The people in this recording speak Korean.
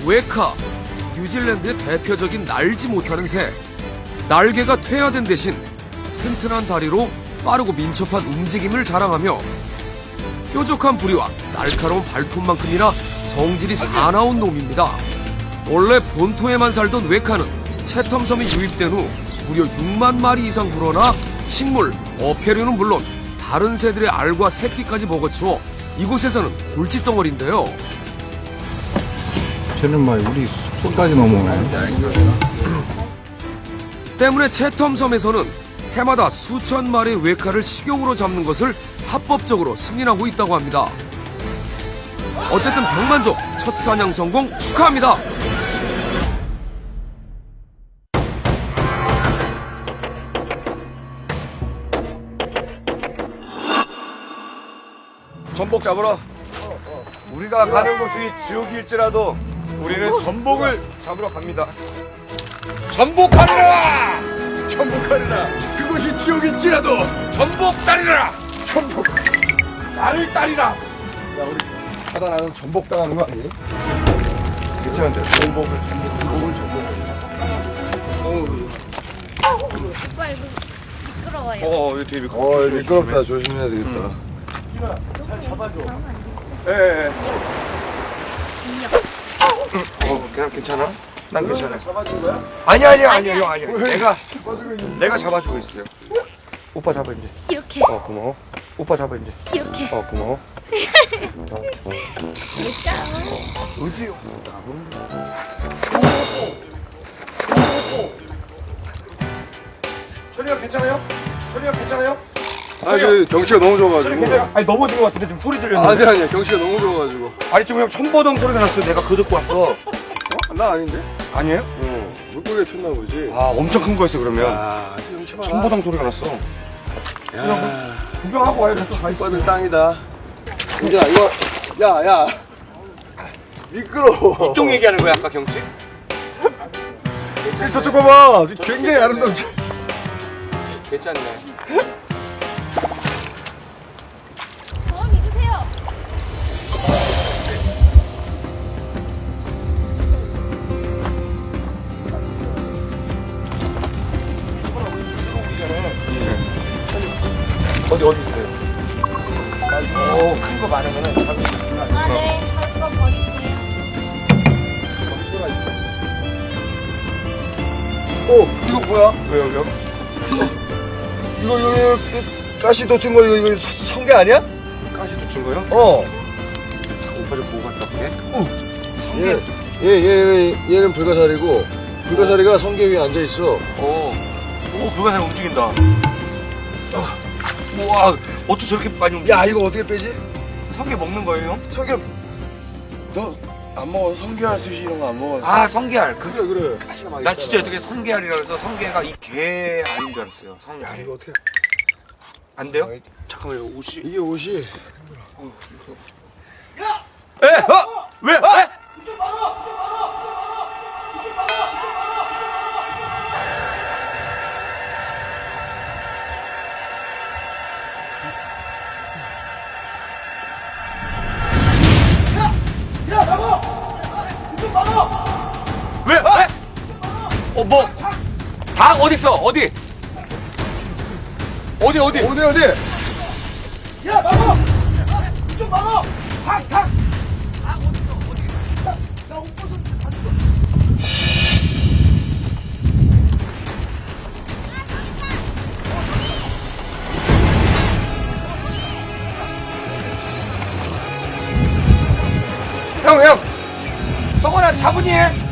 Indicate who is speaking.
Speaker 1: 웨카, 뉴질랜드의 대표적인 날지 못하는 새. 날개가 퇴화된 대신 튼튼한 다리로 빠르고 민첩한 움직임을 자랑하며 뾰족한 부리와 날카로운 발톱만큼이나 성질이 사나운 놈입니다. 원래 본토에만 살던 웨카는 채텀섬이 유입된 후 무려 6만 마리 이상 불어나 식물, 어패류는 물론 다른 새들의 알과 새끼까지 먹어치워 이곳에서는 골칫덩어리인데요.
Speaker 2: 쟤는 막 우리 손까지 넘어오네.
Speaker 1: 때문에 채텀섬에서는 해마다 수천 마리의 웨카를 식용으로 잡는 것을 합법적으로 승인하고 있다고 합니다. 어쨌든 백만족 첫 사냥 성공 축하합니다.
Speaker 3: 전복 잡으러. 우리가 가는 곳이 지옥일지라도 우리는 전복을 잡으러 갑니다. 전복하리라! 전복하리라! 그곳이 지옥일지라도 전복 따리라! 전복! 나를 따리라! 야, 우리 하다 나는 전복 당하는 거 아니에요? 괜찮은데, 전복을.
Speaker 4: 오빠 이거 미끄러워요.
Speaker 3: 이거 되게 미끄럽다. 조심해야 되겠다.
Speaker 4: 잘 잡아줘.
Speaker 3: 예. 그냥 괜찮아? 난 괜찮아. 잡아준 거야? 아니야. 내가 잡아주고 있어요. 오빠 잡아 이제.
Speaker 4: 이렇게.
Speaker 3: 고마워. 오빠 잡아 이제.
Speaker 4: 이렇게.
Speaker 3: 고마워.
Speaker 4: 진짜.
Speaker 3: 어디? 천이가 괜찮아요? 천이가 괜찮아요?
Speaker 5: 저 경치가 너무 좋아가지고.
Speaker 3: 아니 넘어진 것 같은데 지금 소리 들렸는데.
Speaker 5: 아니야 경치가 너무 좋아가지고.
Speaker 3: 아니 지금 형 천보동 소리가 났어. 내가 그거 듣고 왔어.
Speaker 5: 나 아닌데?
Speaker 3: 아니에요?
Speaker 5: 물고기가 쳤나 보지.
Speaker 3: 아 엄청 큰 거였어 그러면.
Speaker 5: 지금 쳐봐.
Speaker 3: 천보동 소리가 났어.
Speaker 5: 야,
Speaker 3: 구경하고 와요. 저쪽 가 있어.
Speaker 5: 빠들 땅이다. 근데 이거, 야. 미끄러워.
Speaker 3: 이쪽 얘기하는 거야 아까 경치?
Speaker 5: 저쪽 봐봐. 굉장히 아름답지.
Speaker 3: 괜찮네.
Speaker 4: 저 믿으세요.
Speaker 3: 어디 있어요? 큰 거 많으면은 잡을 수 있구나.
Speaker 4: 아 네. 다시 거 버릴게요.
Speaker 5: 이거 뭐야?
Speaker 3: 왜요?
Speaker 5: 이거 가시 놓친 거 이거 성게 아니야?
Speaker 3: 가시 놓친 거요? 오빠 좀 보고 갔다 올게.
Speaker 5: 얘는 불가사리고 불가사리가 성게 위에 앉아 있어.
Speaker 3: 오, 불가사리 움직인다. 우와, 어떻게 저렇게 많이 움직여?
Speaker 5: 야, 이거 어떻게 빼지?
Speaker 3: 성게 먹는 거예요, 형?
Speaker 5: 성게 너 안 먹어? 성게알 스시 이런 거 안 먹어?
Speaker 3: 아, 성게알.
Speaker 5: 그래.
Speaker 3: 난 진짜 어떻게 성게알이라 그래서 성게가 이 게 알인 줄 알았어요. 성게.
Speaker 5: 야, 이거 어떻게?
Speaker 3: 안 돼요? 잠깐만요, 옷이.
Speaker 5: 이게 옷이
Speaker 3: 에? 왜? 왜? 뭐? 닭 어딨어? 어디?
Speaker 5: 어디?
Speaker 3: 야, 막어! 좀 막어! 닭! 닭 어딨어? 어디? 나 옷 벗었는데 닭 있어. 형! 성원아, 차분히 해!